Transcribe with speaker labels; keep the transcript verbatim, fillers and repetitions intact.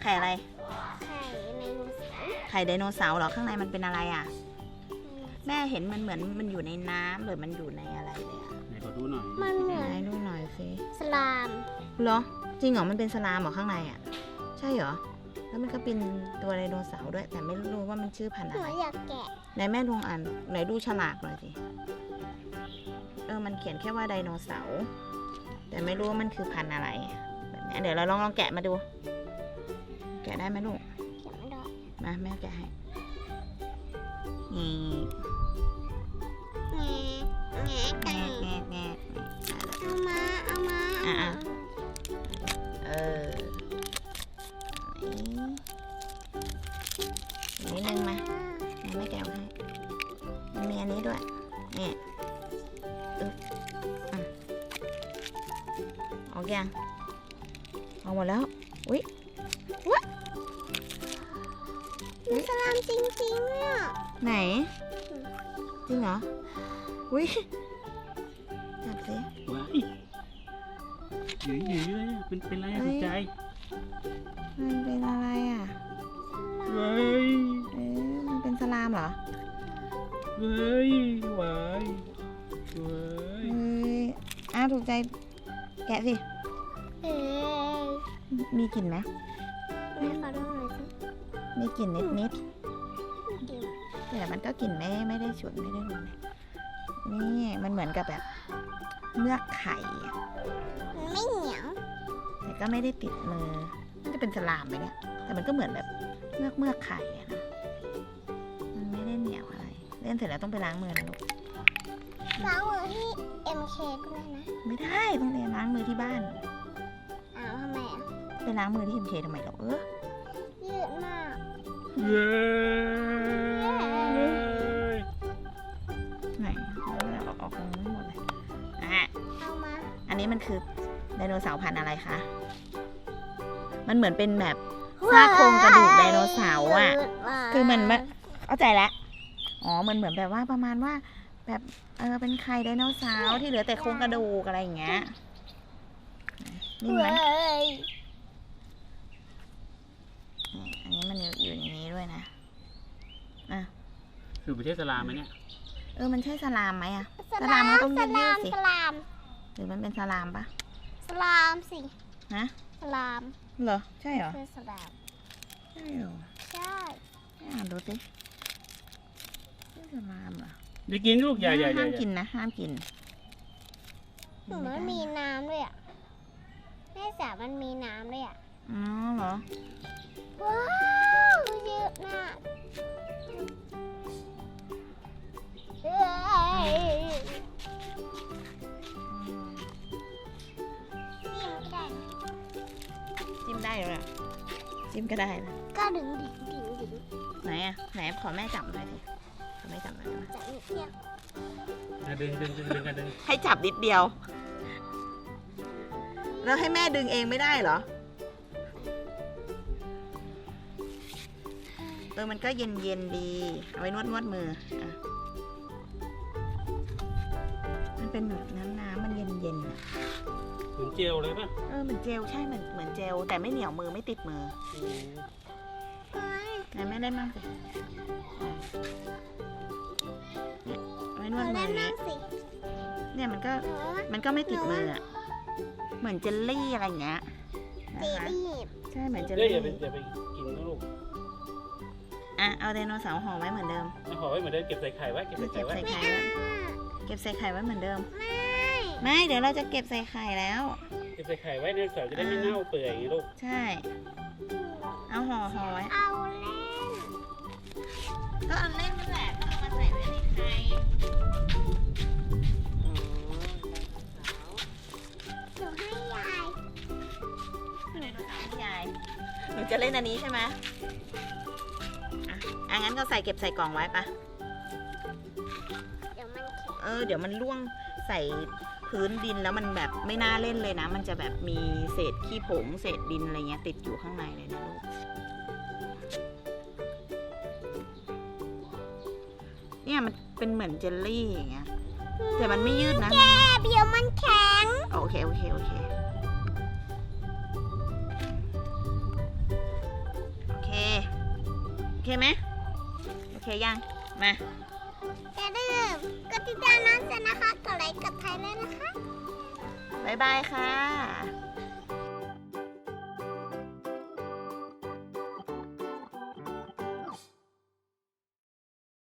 Speaker 1: ข่อะไร
Speaker 2: ไข่ไดโนเสาร์
Speaker 1: ไข่ไดโนเสาร์เหรอข้างในมันเป็นอะไรอ่ะแม่เห็นมันเหมือนมันอยู่ในน้ำหรือมันอยู่ในอะไรเลยอ่ะ
Speaker 3: ไหนขอดูหน่อย
Speaker 2: มันเหมือน
Speaker 1: ไหนดูหน่อยสิ
Speaker 2: สลาม
Speaker 1: เหรอจริงเหรอมันเป็นสลามเหรอข้างในอ่ะใช่เหรอแล้วมันก็เป็นตัวไดโนเสาร์ด้วยแต่ไม่รู้ว่ามันชื่อพันธุ์
Speaker 2: ห
Speaker 1: อะ
Speaker 2: นู
Speaker 1: ไร
Speaker 2: อยากแกะ
Speaker 1: ไหนแม่ลองอ่านไหนดูฉลากหน่อยสิเออมันเขียนแค่ว่าไดโนเสาร์แต่ไม่รู้ว่ามันคือพันธุ์อะไรแบบนี้เดี๋ยวเราลองลองแกะมาดู แกะได้ไหมลูก
Speaker 2: แกะไม่ได้
Speaker 1: มาแม่แกะให้นี่
Speaker 2: แงะแงะ
Speaker 1: แงะ
Speaker 2: แกะ
Speaker 1: แงะแงะแงะ
Speaker 2: เอามาเอามา
Speaker 1: อ่ะ
Speaker 2: เอา
Speaker 1: อ่ะ
Speaker 2: มา
Speaker 1: เออนี่นิดนึงมาแม่แกะให้มันมีอันนี้ด้วยนี่อึ๊บอ่ะออกยังออกหมดแล้วอุ้ย
Speaker 2: มีสลามจริงๆเนี่ย
Speaker 1: ไหนจริงเหรออุ้ยจับสิ
Speaker 3: ว้ายหยืดหยืดเลยอะเป็นเป็นไรอะ
Speaker 1: เอ้ย
Speaker 3: ถูกใจ
Speaker 1: มันเป็นอะไรอ่ะ
Speaker 3: เว้ย
Speaker 1: เอ๊ะมันเป็นสลามเหรอ
Speaker 3: เว้ยหวายเว้ย
Speaker 1: เอ้ยอ้าวถูกใจแกะสิ
Speaker 2: เอ้ย
Speaker 1: มีกลิ่นไหม
Speaker 2: แม่ขอดูหน่อยสิ
Speaker 1: มีกลิ่นนิดนิด
Speaker 2: จริง
Speaker 1: ๆแต่มันก็กลิ่นไม่ไม่ได้ฉุนไม่ได้รุนแรงนี่มันเหมือนกับแบบเมือกไข่อะ
Speaker 2: มันไม่เหนียว
Speaker 1: แต่ก็ไม่ได้ติดมือมันจะเป็นสลามไหมเนี่ยแต่มันก็เหมือนแบบเมือกเมือกไข่อะนะมันไม่ได้เหนียวอะไรเล่นเสร็จแล้วต้องไปล้างมือนะลูก
Speaker 2: ล้างมือที่ เอ็ม เค ก็ได้นะ
Speaker 1: ไม่ได้ต้องไปล้างมือที่บ้าน
Speaker 2: อ้าวทำไมอ่ะ
Speaker 1: ไปล้างมือที่เอ็มเคทำไมหรอเออ
Speaker 2: ยืดมาก
Speaker 3: เว้ย
Speaker 1: ไหนเอาออกออกตรงนี้หมดเลยอ่ะ
Speaker 2: เอามา
Speaker 1: อันนี้มันคือไดโนเสาร์พันธุ์อะไรคะ มันเหมือนเป็นแบบซากโครงกระดูกไดโนเสาร์อ่ะ คือมันไม่เข้าใจแล้ว อ๋อ มันเหมือนแบบว่าประมาณว่า แบบเออเป็นไข่ไดโนเสาร์ที่เหลือแต่โครงกระดูกอะไรอย่างเงี้ยนิ่มไหม
Speaker 2: เว้ย
Speaker 1: นี่อันนี้มันอยู่อยู่อย่างนี้ด้วยนะ อ่ะ
Speaker 3: คือประเทศสลามไหมเนี่ย
Speaker 1: เออ มันใช่สลามไหมอ่ะ
Speaker 2: ส
Speaker 1: ส
Speaker 2: ลา
Speaker 1: ลาม
Speaker 2: ม
Speaker 1: มันต้อง
Speaker 2: ส
Speaker 1: ยื
Speaker 2: ลา
Speaker 1: ด
Speaker 2: ม
Speaker 1: ๆสิ
Speaker 2: สลาม
Speaker 1: หรือมันเป็นสลามปะ
Speaker 2: สลามสิ
Speaker 1: ฮะ
Speaker 2: สลาม
Speaker 1: เหรอ ใช่เหรอ
Speaker 2: คือสลาม
Speaker 1: ใช่เหรอ
Speaker 2: ใช่
Speaker 1: อ่านดูสิใช่สลามเหรอ
Speaker 3: อย่ากินลูกอย่าอย่าอย่า
Speaker 1: ห้าม
Speaker 3: อย่า
Speaker 1: กินนะ ห้ามกิน
Speaker 2: หนูมันมีน้ำด้วยอ่ะแม่จ๋ามันมีน้ำด้วยอ่ะ
Speaker 1: อ๋อเหรอ
Speaker 2: ว้าวเยอะมากเอ้ยนี่มันได้
Speaker 1: จิ้มได้เลยอะจิ้มก็ได้นะ
Speaker 2: ก็ดึงดึงดึงดึง
Speaker 1: ไหนอ่ะ ไหนขอแม่จับหน่อยสิขอแม่จับหน่อยได้ไหม
Speaker 2: จะนิดเดียว
Speaker 3: อ่ะดึงดึงดึงดึงกันดึง
Speaker 1: ให้จับนิดเดียว แล้วให้แม่ดึงเองไม่ได้เหรอ เออ มันก็เย็นเย็นๆดี เอาไว้นวดนวดมืออ่ะมันเป็นแบบน้ำน้ำมันเย็นเย็นๆอะ
Speaker 3: เหมือนเจลเลยป่ะ
Speaker 1: เออเหมือนเจลใช่เหมือนเหมือนเจล แต่ไม่เหนียวมือไม่ติดมือ
Speaker 3: อืม
Speaker 1: ไหนแม่เล่นบ้างสิเนี่ยเอาไว้นวดมื
Speaker 2: เล่
Speaker 1: อน อย่าง
Speaker 2: นั่
Speaker 1: นี้
Speaker 2: งสิ
Speaker 1: เนี่ยมันก็
Speaker 2: หนูว่า
Speaker 1: มันก็ไม่ติดมืออ่ะ เหมือนเจลลี่อะไรอย่างเงี้ยนะ
Speaker 2: จี
Speaker 1: คะ
Speaker 2: รีบ
Speaker 1: ใช่เหมือนเจล
Speaker 3: เดี๋ยว
Speaker 1: ลี่
Speaker 3: อย่าไปอย่าไปกินนะลูก
Speaker 1: อ่ะเอาไดโนเสาร์ห่อไว้เหมือนเดิม
Speaker 3: เอาห่อไว้เหมือนเดิมเก็บใส่ไข่ไว้เก็บใส่ไข่
Speaker 1: เก็บ
Speaker 3: ไว้
Speaker 1: ใส่
Speaker 2: ไม่
Speaker 1: ไข่
Speaker 2: เอา
Speaker 1: ไว้เก็บใส่ไข่ไว้เหมือนเดิม
Speaker 2: ไม่
Speaker 1: ไม่เดี๋ยวเราจะเก็บใส่ไข่แล้ว
Speaker 3: เก็บใส่ไข่ไว้เนี่ยเสาร์จะได้ไม่เน่าเปื่อยอย่างนี้ลูก
Speaker 1: ใช่ เอาห่อห่อไว้
Speaker 2: เอาเล่น
Speaker 1: ก็เอาเล่นนั่นแหละก็เอามาใส่ไว้ในไข่
Speaker 2: หนูให้ยาย
Speaker 1: ไดโนเสาร์ให้ยายหนูจะเล่นอันนี้ใช่ไหมอ่ะอ่ะงั้นก็ใส่เก็บใส่กล่องไว้ปะ
Speaker 2: เดี๋ยวมันแข็ง
Speaker 1: เออเดี๋ยวมันล่วงใส่พื้นดินแล้วมันแบบไม่น่าเล่นเลยนะ มันจะแบบมีเศษขี้ผงเศษดินอะไรเงี้ยติดอยู่ข้างในเลยนะลูกเนี่ยมันเป็นเหมือนเจลลี่อย่างเงี้ยแต่มันไม่ยืดนะ
Speaker 2: แกเดี๋ยวมันแข็ง
Speaker 1: โอเคโอเคโอเคเคไหมโอเคยังมา
Speaker 2: อย่าลืมกดติดตามน้องเจนนะคะกดไลค์กดไลค์เลยนะคะ
Speaker 1: บ๊ายบายค่ะ